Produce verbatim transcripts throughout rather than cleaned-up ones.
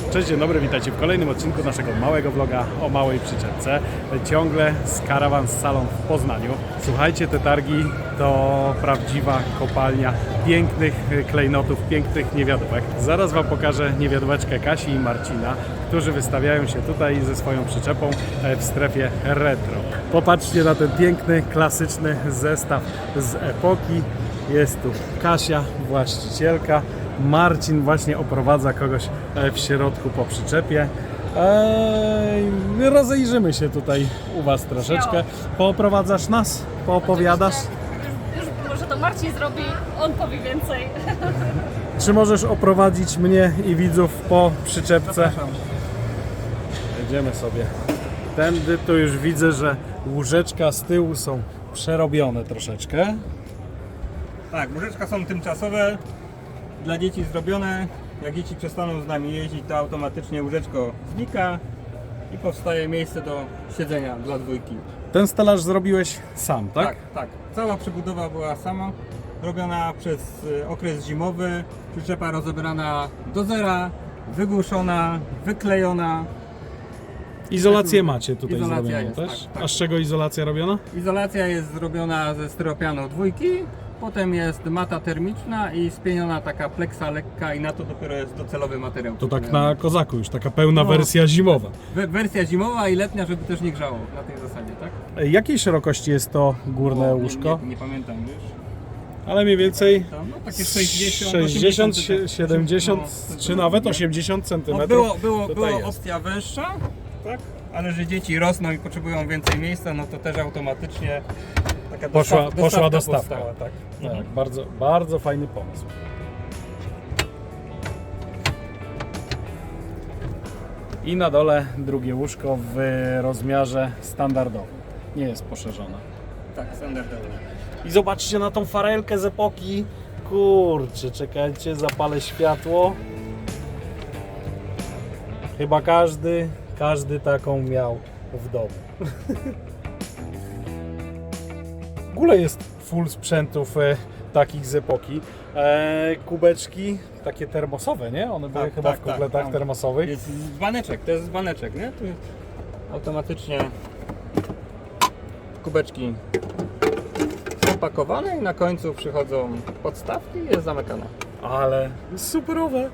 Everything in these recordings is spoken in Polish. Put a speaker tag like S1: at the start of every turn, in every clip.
S1: Cześć, dzień dobry, witajcie w kolejnym odcinku naszego małego vloga o małej przyczepce. Ciągle z Caravan Salon w Poznaniu. Słuchajcie, te targi to prawdziwa kopalnia pięknych klejnotów, pięknych niewiadówek. Zaraz Wam pokażę niewiadóweczkę Kasi i Marcina, którzy wystawiają się tutaj ze swoją przyczepą w strefie retro. Popatrzcie na ten piękny, klasyczny zestaw z epoki. Jest tu Kasia, właścicielka. Marcin właśnie oprowadza kogoś w środku po przyczepie. Eee, rozejrzymy się tutaj u Was troszeczkę. Pooprowadzasz nas? Poopowiadasz?
S2: Już, już może to Marcin zrobi, on powie więcej.
S1: Czy możesz oprowadzić mnie i widzów po przyczepce?
S3: Zapraszam.
S1: Jedziemy sobie tędy. Tu już widzę, że łóżeczka z tyłu są przerobione troszeczkę.
S3: Tak, łóżeczka są tymczasowe, dla dzieci zrobione. Jak dzieci przestaną z nami jeździć, to automatycznie łóżeczko znika i powstaje miejsce do siedzenia dla dwójki.
S1: Ten stelaż zrobiłeś sam, tak?
S3: Tak, tak. Cała przebudowa była sama, robiona przez y, okres zimowy. Przyczepa rozebrana do zera, wygłuszona, wyklejona.
S1: Izolację macie tutaj
S3: Izolacja
S1: zrobioną
S3: jest,
S1: też?
S3: tak, tak.
S1: A z czego izolacja robiona?
S3: Izolacja jest zrobiona ze styropianu dwójki. Potem jest mata termiczna i spieniona taka pleksa lekka i na to dopiero jest docelowy materiał.
S1: To tak
S3: przyklejony.
S1: na kozaku już, taka pełna
S3: No.
S1: wersja zimowa.
S3: We- Wersja zimowa i letnia, żeby też nie grzało na tej zasadzie, tak?
S1: Jakiej szerokości jest to górne
S3: O,
S1: łóżko?
S3: Nie, nie, nie pamiętam już.
S1: Ale mniej więcej
S3: Tam, no, takie sześćdziesiąt,
S1: sześćdziesiąt,
S3: osiemdziesiąt,
S1: siedemdziesiąt
S3: no,
S1: czy nawet
S3: nie?
S1: osiemdziesiąt
S3: No,
S1: centymetrów.
S3: było było,
S1: tutaj
S3: było
S1: jest.
S3: opcja węższa, tak? Ale że dzieci rosną i potrzebują więcej miejsca, no to też automatycznie taka
S1: Poszła,
S3: dostaw,
S1: poszła
S3: dostawka
S1: dostawka.
S3: powstała, tak.
S1: Tak, bardzo, bardzo fajny pomysł. I na dole drugie łóżko w rozmiarze standardowym. Nie jest poszerzone.
S3: Tak, standardowo.
S1: I zobaczcie na tą farelkę z epoki. Kurczę, czekajcie, zapalę światło. Chyba każdy, każdy taką miał w domu. W ogóle jest full sprzętów e, takich z epoki. E, kubeczki takie termosowe, nie? One były
S3: Tak,
S1: chyba
S3: tak,
S1: w kompletach
S3: tak.
S1: termosowych.
S3: Jest dzbaneczek, to jest dzbaneczek, nie? Tu automatycznie kubeczki są pakowane i na końcu przychodzą podstawki i jest zamykane.
S1: Ale superowe.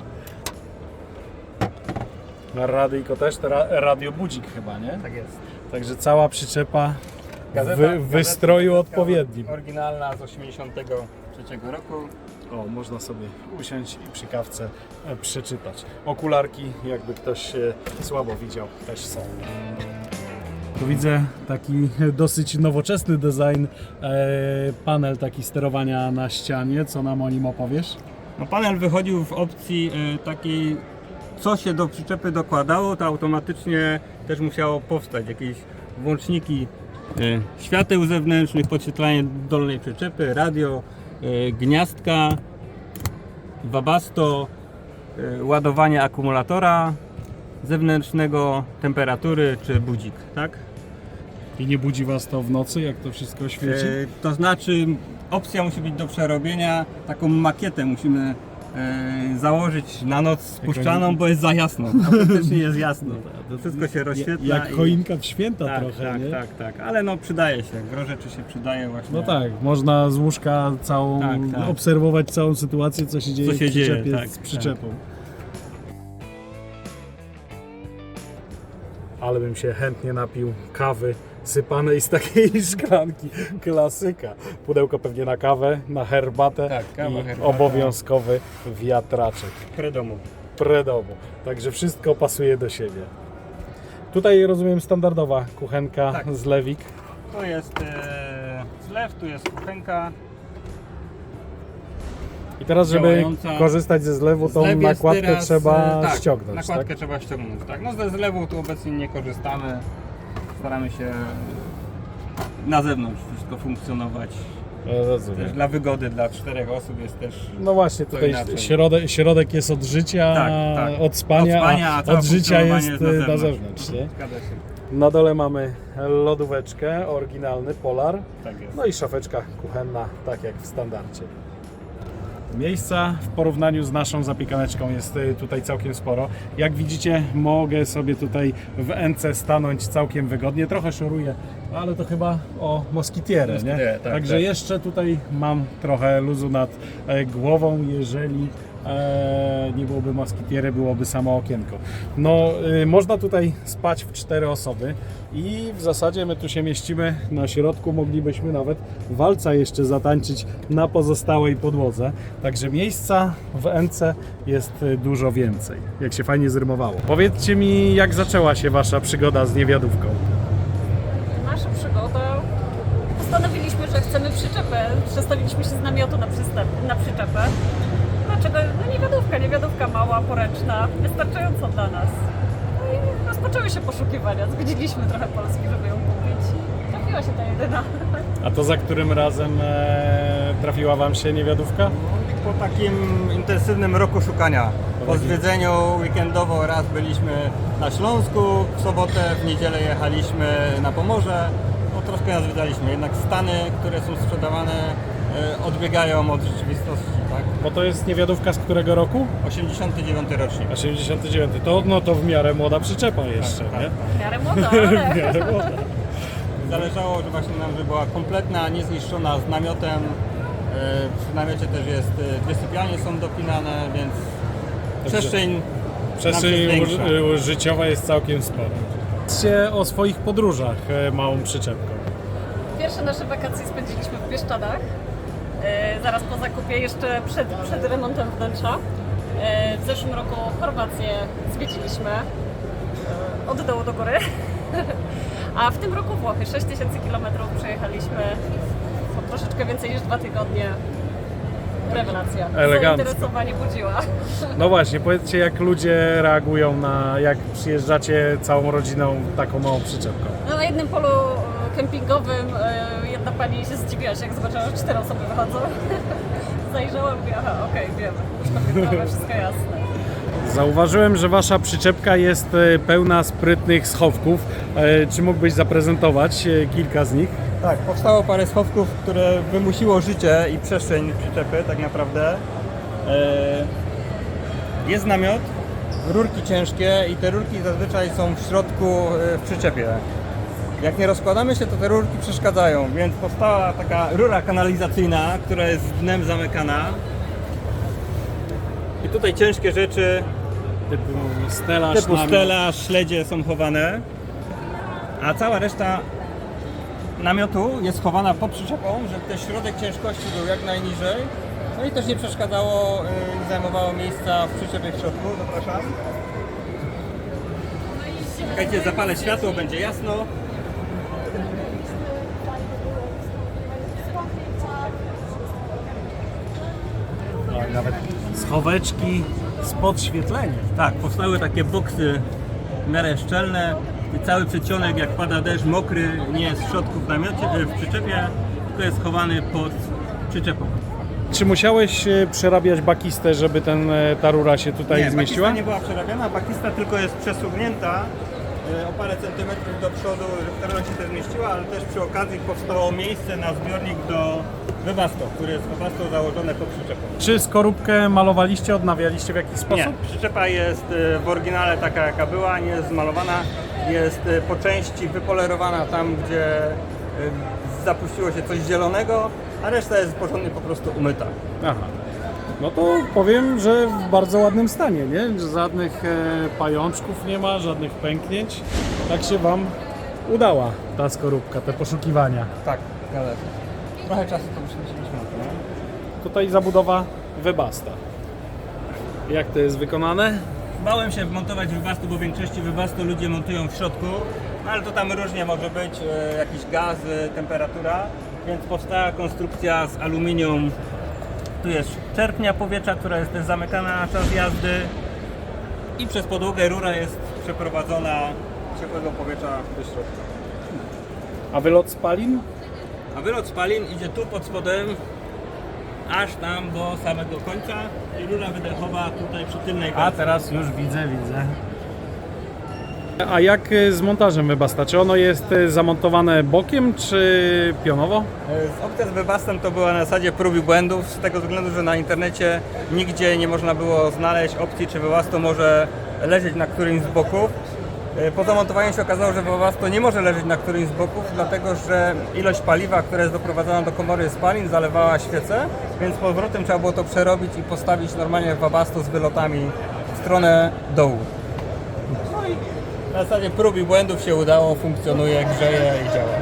S1: Na radyjko też, to ra, radiobudzik chyba, nie?
S3: Tak jest.
S1: Także cała przyczepa
S3: Gazeta,
S1: w w wystroju
S3: gazeta
S1: odpowiednim.
S3: Oryginalna z osiemdziesiątego trzeciego roku.
S1: O, można sobie usiąść i przy kawce e, przeczytać. Okularki, jakby ktoś e, słabo widział, też są. Tu widzę taki dosyć nowoczesny design, e, panel taki sterowania na ścianie. Co nam o nim opowiesz?
S3: No, panel wychodził w opcji y, takiej, co się do przyczepy dokładało, to automatycznie też musiało powstać jakieś włączniki y, świateł zewnętrznych, podświetlanie dolnej przyczepy, radio, y, gniazdka, wabasto, y, ładowanie akumulatora zewnętrznego, temperatury czy budzik, tak?
S1: I nie budzi Was to w nocy, jak to wszystko świeci?
S3: Y, to znaczy opcja musi być do przerobienia, taką makietę musimy y, założyć na noc spuszczaną, bo jest za jasno, autentycznie jest jasno. To wszystko się rozświetla.
S1: Jak
S3: i-
S1: choinka w święta
S3: tak,
S1: trochę,
S3: tak,
S1: nie?
S3: tak, tak, ale no przydaje się, gro rzeczy się przydaje właśnie.
S1: No tak, można z łóżka całą,
S3: Tak, tak.
S1: obserwować całą sytuację, co się dzieje
S3: Co się
S1: w przyczepie
S3: dzieje, tak,
S1: z przyczepą. Ale bym się chętnie napił kawy sypanej z takiej szklanki. Klasyka. Pudełko pewnie na kawę, na herbatę
S3: Tak, kawa,
S1: i
S3: herbata.
S1: obowiązkowy wiatraczek.
S3: Predomu.
S1: Predomu. Także wszystko pasuje do siebie. Tutaj rozumiem standardowa kuchenka
S3: Tak.
S1: z lewik.
S3: To jest e, zlew, tu jest kuchenka.
S1: I teraz, żeby
S3: Działająca.
S1: korzystać ze zlewu, tą
S3: Zlew jest
S1: nakładkę
S3: teraz,
S1: trzeba
S3: e, tak,
S1: ściągnąć,
S3: nakładkę
S1: tak?
S3: trzeba ściągnąć, tak. No ze zlewu tu obecnie nie korzystamy. Staramy się na zewnątrz wszystko funkcjonować.
S1: Ja rozumiem.
S3: Też dla wygody, dla czterech osób jest też.
S1: No właśnie,
S3: To
S1: tutaj
S3: inaczej.
S1: środek, środek jest od życia,
S3: Tak, tak.
S1: od spania,
S3: Od spania, a
S1: a
S3: całe
S1: od życia
S3: funkcjonowanie
S1: jest
S3: jest na
S1: na
S3: zewnątrz.
S1: zewnątrz. Nie?
S3: Zgadza się.
S1: Na dole mamy lodóweczkę, oryginalny Polar,
S3: Tak jest.
S1: no i szafeczka kuchenna, tak jak w standardzie. Miejsca w porównaniu z naszą zapiekaneczką jest y, tutaj całkiem sporo. Jak widzicie, mogę sobie tutaj w Ence stanąć całkiem wygodnie. Trochę szoruję, ale to chyba o moskitierę, nie?
S3: Moskitierę, tak,
S1: Także
S3: tak.
S1: jeszcze tutaj mam trochę luzu nad e, głową, jeżeli e, nie byłoby moskitiery, byłoby samo okienko. No, y, można tutaj spać w cztery osoby i w zasadzie my tu się mieścimy na środku, moglibyśmy nawet walca jeszcze zatańczyć na pozostałej podłodze. Także miejsca w Ence jest y, dużo więcej, jak się fajnie zrymowało. Powiedzcie mi, jak zaczęła się wasza przygoda z niewiadówką?
S2: Nasza przygoda. Postanowiliśmy, że chcemy przyczepę. Przestawiliśmy się z namiotu na, przystep- na przyczepę. Dlaczego? No niewiadówka, niewiadówka mała, poręczna, wystarczająco dla nas. No i rozpoczęły się poszukiwania. Zwiedziliśmy trochę Polski, żeby ją kupić. I trafiła się ta jedyna.
S1: A to za którym razem e, trafiła wam się niewiadówka?
S3: Po takim intensywnym roku szukania. Po
S1: takim-
S3: zwiedzeniu weekendowo raz byliśmy na Śląsku, w sobotę, w niedzielę jechaliśmy na Pomorze. No, troszkę nas zwiedzaliśmy, jednak stany, które są sprzedawane, e, odbiegają od rzeczywistości, tak?
S1: Bo to jest niewiadówka z którego roku?
S3: osiemdziesiąty dziewiąty rocznik.
S1: osiemdziesiąty dziewiąty. To, no to w miarę młoda przyczepa jeszcze,
S3: tak,
S1: nie?
S2: W miarę młoda, ale...
S1: W miarę młoda.
S3: Zależało, że właśnie nam, żeby była kompletna, niezniszczona, z namiotem. E, Przy namiocie też jest, e, dwie sypialnie są dopinane, więc przestrzeń,
S1: Przestrzeń
S3: nam się zwiększa.
S1: u- życiowa jest całkiem spora. Powiedzcie o swoich podróżach e, małą przyczepką.
S2: Pierwsze nasze wakacje spędziliśmy w Bieszczadach, e, zaraz po zakupie, jeszcze przed, przed remontem wnętrza. E, w zeszłym roku Chorwację zwiedziliśmy, e, od dołu do góry. A w tym roku Włochy, sześć tysięcy kilometrów przejechaliśmy, to troszeczkę więcej niż dwa tygodnie. Rewelacja.
S1: Elegancko.
S2: Zainteresowanie budziła.
S1: No właśnie, powiedzcie jak ludzie reagują na, jak przyjeżdżacie całą rodziną taką małą przyczepką.
S2: No, na jednym polu e, kempingowym e, jedna pani się zdziwiła się, jak zobaczyła, że cztery osoby wychodzą. Zajrzała i mówię, aha, okej, wiemy, już to wszystko jasne.
S1: Zauważyłem, że wasza przyczepka jest e, pełna sprytnych schowków. E, Czy mógłbyś zaprezentować e, kilka z nich?
S3: Tak, powstało parę schowków, które wymusiło życie i przestrzeń przyczepy tak naprawdę. E, Jest namiot, rurki ciężkie i te rurki zazwyczaj są w środku e, w przyczepie. Jak nie rozkładamy się, to te rurki przeszkadzają, więc powstała taka rura kanalizacyjna, która jest dnem zamykana. I tutaj ciężkie rzeczy
S1: Typu stelaż,
S3: typu
S1: namiot.
S3: stelaż, śledzie są chowane, a cała reszta namiotu jest chowana pod przyczepą, żeby ten środek ciężkości był jak najniżej. No i też nie przeszkadzało, yy, nie zajmowało miejsca w przyczepie w środku. Zapraszam. Czekajcie, zapalę światło, będzie jasno.
S1: No, i nawet schoweczki z podświetleniem.
S3: Tak, powstały takie boksy w miarę szczelne i cały przedsionek, jak pada deszcz, mokry, nie jest w środku w namiocie, yy, w przyczepie, tylko jest schowany pod przyczepą.
S1: Czy musiałeś e, przerabiać bakistę, żeby ten, e, ta rura się tutaj
S3: Nie,
S1: zmieściła?
S3: bakista nie była przerabiana, bakista tylko jest przesunięta e, o parę centymetrów do przodu, żeby ta rura się też zmieściła, ale też przy okazji powstało miejsce na zbiornik do Webasto, który jest Webasto założone pod przyczepą.
S1: Czy skorupkę malowaliście, odnawialiście w jakiś sposób?
S3: Nie, przyczepa jest e, w oryginale taka jaka była, nie jest zmalowana, jest e, po części wypolerowana tam, gdzie e, zapuściło się coś zielonego, a reszta jest porządnie po prostu umyta.
S1: Aha. No to powiem, że w bardzo ładnym stanie, nie? Że żadnych e, pajączków nie ma, żadnych pęknięć. Tak się wam udała ta skorupka, te poszukiwania.
S3: Tak, zgadza się. Trochę czasu to musieliśmy na to, nie?
S1: Tutaj zabudowa Webasta. Jak to jest wykonane?
S3: Bałem się wmontować Webastu, bo w większości Webastu ludzie montują w środku, no ale to tam różnie może być, e, jakiś gaz, e, temperatura, więc powstała konstrukcja z aluminium. Tu jest czerpnia powietrza, która jest też zamykana na czas jazdy i przez podłogę rura jest przeprowadzona ciepłego powietrza do środka.
S1: A wylot spalin?
S3: A wylot spalin idzie tu pod spodem, aż tam do samego końca i rura wydechowa tutaj przy tylnej
S1: A
S3: końcu.
S1: teraz już widzę, widzę. A jak y, z montażem Webasta? Czy ono jest y, zamontowane bokiem, czy pionowo?
S3: Z opcja z Webastem to była na zasadzie prób i błędów, z tego względu, że na internecie nigdzie nie można było znaleźć opcji, czy Webasto może leżeć na którymś z boków. Po zamontowaniu się okazało, że Webasto nie może leżeć na którymś z boków, dlatego że ilość paliwa, która jest doprowadzana do komory spalin, zalewała świecę, więc z powrotem trzeba było to przerobić i postawić normalnie Webasto z wylotami w stronę dołu. No i na zasadzie prób i błędów się udało, funkcjonuje, grzeje i działa.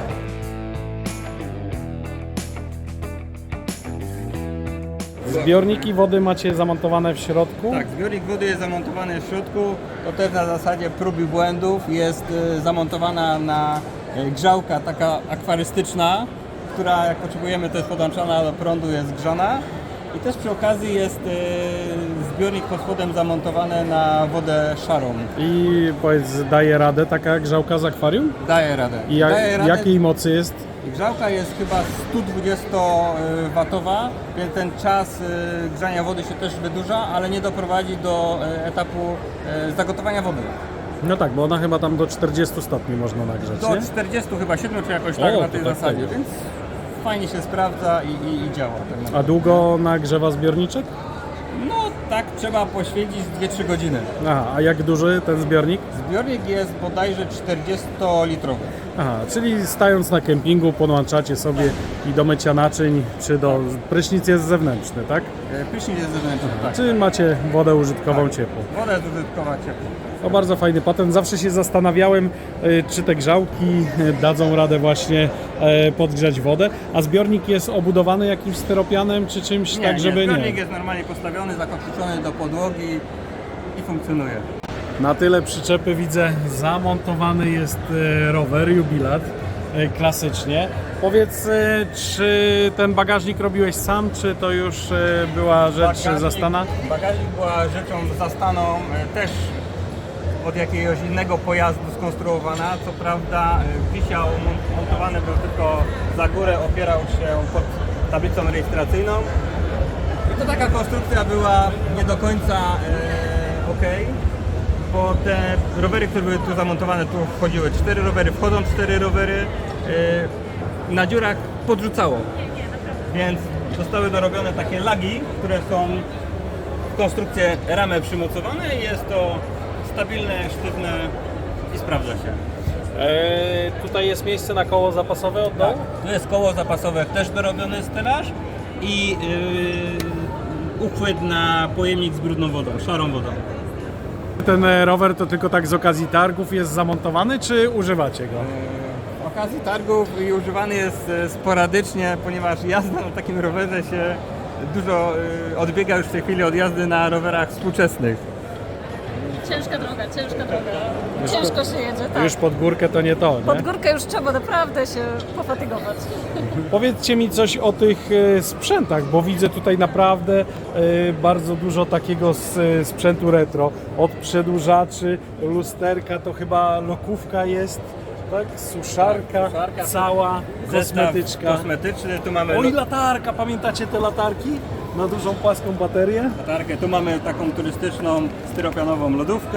S1: Zbiorniki wody macie zamontowane w środku?
S3: Tak, zbiornik wody jest zamontowany w środku, to też na zasadzie prób i błędów. Jest y, zamontowana na y, grzałka taka akwarystyczna, która jak potrzebujemy to jest podłączona do prądu, jest grzana. I też przy okazji jest y, zbiornik pod spodem zamontowany na wodę szarą.
S1: I powiedz, daje radę taka grzałka z akwarium?
S3: Daje radę.
S1: I jak,
S3: Daje radę.
S1: jakiej mocy jest?
S3: Grzałka jest chyba sto dwudziestowatowa, więc ten czas y, grzania wody się też wydłuża, ale nie doprowadzi do y, etapu y, zagotowania wody.
S1: No tak, bo ona chyba tam do czterdziestu stopni można nagrzać,
S3: Do
S1: nie?
S3: czterdziestu chyba siedmiu czy jakoś tak
S1: O,
S3: na
S1: to
S3: tej
S1: tak
S3: zasadzie,
S1: fajnie.
S3: więc fajnie się sprawdza i, i, i działa. Tak
S1: A
S3: naprawdę.
S1: długo nagrzewa zbiorniczek?
S3: No tak trzeba poświęcić dwie trzy godziny.
S1: Aha, a jak duży ten zbiornik?
S3: Zbiornik jest bodajże czterdziestolitrowy.
S1: Aha, czyli stając na kempingu podłączacie sobie i do mycia naczyń, czy do... prysznic jest zewnętrzny, tak?
S3: E, Prysznic jest zewnętrzny, tak.
S1: Czy macie wodę użytkową
S3: Tak.
S1: ciepłą?
S3: Woda jest użytkowa ciepła.
S1: To bardzo fajny patent. Zawsze się zastanawiałem, y, czy te grzałki y, dadzą radę właśnie e, podgrzać wodę. A zbiornik jest obudowany jakimś styropianem czy czymś
S3: Nie,
S1: tak, żeby
S3: nie,
S1: nie?
S3: zbiornik jest normalnie postawiony, zakotwiczony do podłogi i funkcjonuje.
S1: Na tyle przyczepy widzę, zamontowany jest e, rower, jubilat, e, klasycznie. Powiedz, e, czy ten bagażnik robiłeś sam, czy to już e, była rzecz
S3: Bagażnik-
S1: zastana?
S3: Bagażnik była rzeczą zastaną e, też od jakiegoś innego pojazdu skonstruowana. Co prawda e, wisiał, mon- montowany był tylko za górę, opierał się pod tablicą rejestracyjną. I to taka konstrukcja była nie do końca e, ok, bo te rowery, które były tu zamontowane, tu wchodziły cztery rowery, wchodzą cztery rowery, e, na dziurach podrzucało. Więc zostały dorobione takie lagi, które są w konstrukcję ramę przymocowane i jest to stabilne, sztywne i sprawdza się.
S1: E, tutaj jest miejsce na koło zapasowe od dołu?
S3: Tu jest koło zapasowe, też dorobiony stelaż i yy, uchwyt na pojemnik z brudną wodą, szarą wodą.
S1: Ten e, rower to tylko tak z okazji targów jest zamontowany, czy używacie go?
S3: W okazji targów i używany jest e, sporadycznie, ponieważ jazda na takim rowerze się dużo e, odbiega już w tej chwili od jazdy na rowerach współczesnych.
S2: Ciężka droga, ciężka droga. Ciężko się jedzie, tak.
S1: Już pod górkę to nie to, nie?
S2: Pod górkę już trzeba naprawdę się pofatygować.
S1: Powiedzcie mi coś o tych e, sprzętach, bo widzę tutaj naprawdę e, bardzo dużo takiego s- sprzętu retro. Od przedłużaczy, lusterka, to chyba lokówka jest, tak? Suszarka,
S3: suszarka,
S1: cała, kosmetyczka.
S3: Zestaw kosmetyczny, tu mamy
S1: Oj, latarka, pamiętacie te latarki? Na dużą płaską baterię?
S3: latarkę, tu mamy taką turystyczną styropianową lodówkę.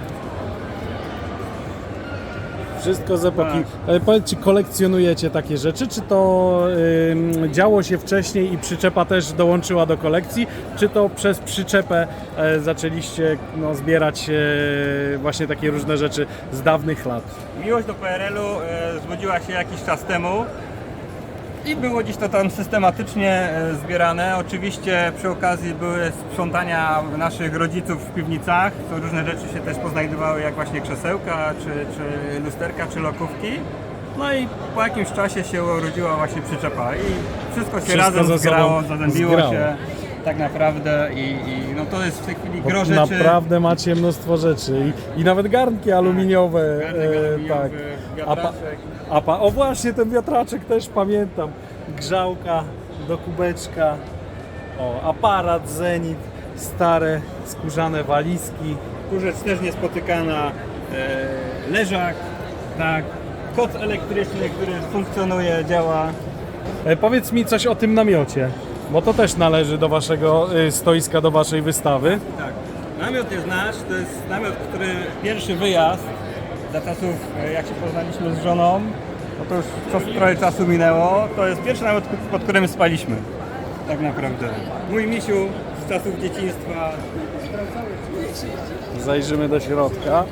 S1: Wszystko z epoki. E, Powiedzcie, kolekcjonujecie takie rzeczy? Czy to ym, działo się wcześniej i przyczepa też dołączyła do kolekcji? Czy to przez przyczepę e, zaczęliście no, zbierać e, właśnie takie różne rzeczy z dawnych lat?
S3: Miłość do P R L u e, zbudziła się jakiś czas temu i było dziś to tam systematycznie e, zbierane. Oczywiście przy okazji były sprzątania naszych rodziców w piwnicach, co różne rzeczy się też poznajdowały, jak właśnie krzesełka, czy, czy lusterka, czy lokówki. No i po jakimś czasie się urodziła właśnie przyczepa i wszystko się
S1: Wszystko
S3: razem
S1: ze sobą
S3: zgrało, zazębiło
S1: zgrało.
S3: się tak naprawdę i, i no to jest w tej chwili
S1: Bo
S3: gro rzeczy.
S1: naprawdę macie mnóstwo rzeczy i, i nawet garnki aluminiowe.
S3: Garnek
S1: e,
S3: aluminiowy,
S1: tak. A pa,
S3: wiatraczek.
S1: a pa, o właśnie, ten wiatraczek też pamiętam. Grzałka do kubeczka. O, aparat Zenit, stare skórzane walizki.
S3: Tu rzecz też niespotykana, e, leżak, tak, koc elektryczny, który funkcjonuje, działa.
S1: E, powiedz mi coś o tym namiocie, bo to też należy do waszego y, stoiska, do waszej wystawy.
S3: Tak. Namiot jest nasz, to jest namiot, który pierwszy wyjazd za czasów, e, jak się poznaliśmy z żoną, no to już czas, trochę czasu minęło, to jest pierwszy namiot, pod którym spaliśmy. Tak naprawdę. Mój misiu z czasów dzieciństwa.
S1: Zajrzymy do środka.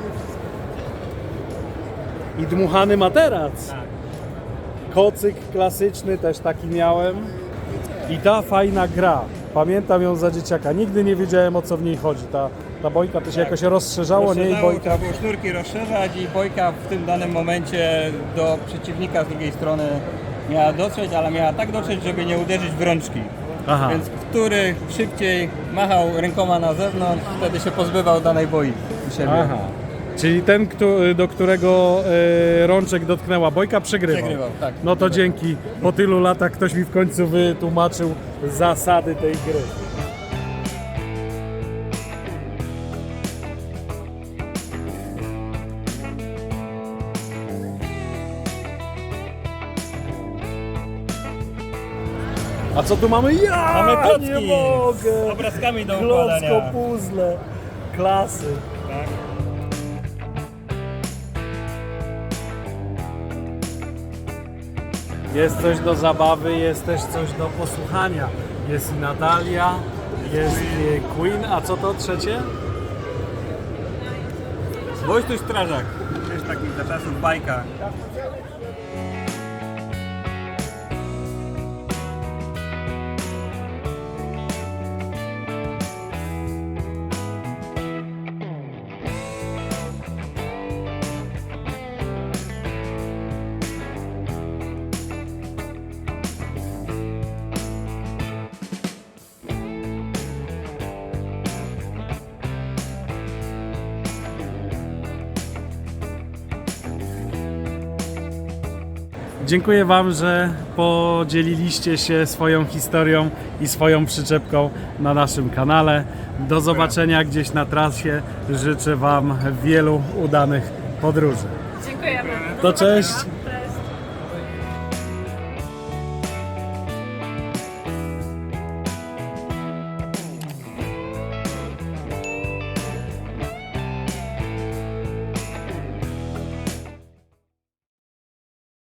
S1: I dmuchany materac. Kocyk klasyczny, też taki miałem. I ta fajna gra. Pamiętam ją za dzieciaka. Nigdy nie wiedziałem, o co w niej chodzi. Ta, ta bojka to się jakoś rozszerzało, nie? I
S3: Rozszerzało,
S1: bojka...
S3: trzeba było sznurki rozszerzać i bojka w tym danym momencie do przeciwnika z drugiej strony miała dotrzeć, ale miała tak dotrzeć, żeby nie uderzyć w rączki.
S1: Aha.
S3: Więc który szybciej machał rękoma na zewnątrz, wtedy się pozbywał danej boi u siebie.
S1: Aha. Czyli ten, kto- do którego e, rączek dotknęła bojka, przegrywał.
S3: Przegrywał, tak.
S1: No to dzięki. Po tylu latach ktoś mi w końcu wytłumaczył zasady tej gry. A co tu mamy? Ja
S3: Mamy klocki
S1: nie mogę!
S3: z obrazkami do
S1: Klocko
S3: układania.
S1: puzzle. Klasy.
S3: Tak.
S1: Jest coś do zabawy, jest też coś do posłuchania. Jest i Natalia, jest i Queen, a co to trzecie?
S3: Wojtuś Strażak, też taki za czasów bajka.
S1: Dziękuję Wam, że podzieliliście się swoją historią i swoją przyczepką na naszym kanale. Do zobaczenia gdzieś na trasie. Życzę Wam wielu udanych podróży.
S2: Dziękujemy. Do
S1: To
S2: zobaczenia.
S1: cześć!